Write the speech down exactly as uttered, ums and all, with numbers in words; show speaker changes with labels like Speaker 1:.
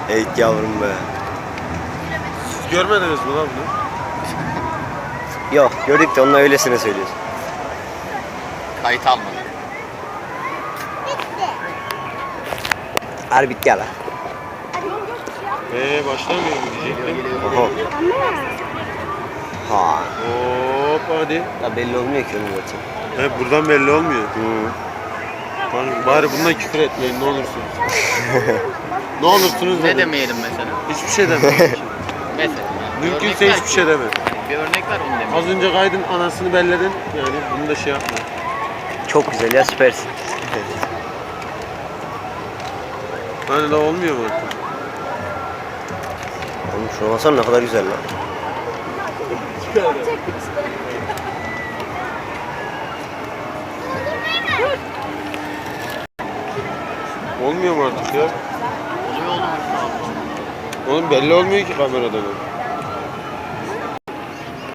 Speaker 1: Evet yavrum be.
Speaker 2: Siz görmediniz mi lan bunu?
Speaker 1: Yok gördük de onunla öylesine söylüyorsun.
Speaker 3: Kayıt almadı.
Speaker 1: Harbi bitti ya lan.
Speaker 2: Eee başlamıyor mu diyecektim.
Speaker 1: Oho. Ha.
Speaker 2: Hop hadi.
Speaker 1: Ya belli olmuyor ki onun zaten.
Speaker 2: He buradan belli olmuyor.
Speaker 1: Hı.
Speaker 2: Bari, bari bundan küfür etmeyin ne olursunuz. Ne olursunuz
Speaker 3: Ne
Speaker 2: dedim.
Speaker 3: demeyelim mesela?
Speaker 2: Hiçbir şey demeyin.
Speaker 3: Mesela.
Speaker 2: Mümkünse
Speaker 3: Örnek ver
Speaker 2: hiçbir
Speaker 3: ki.
Speaker 2: şey deme.
Speaker 3: Bir örnek ver onu demeyelim.
Speaker 2: Az önce kaydın anasını belledin. Yani bunu da şey yapma.
Speaker 1: Çok güzel ya süpersin.
Speaker 2: Hani la olmuyor mu artık?
Speaker 1: Oğlum şuna baksana ne kadar güzel lan.
Speaker 2: Olmuyor mu artık ya?
Speaker 3: Oluyor olur.
Speaker 2: Oğlum belli olmuyor ki kameradan.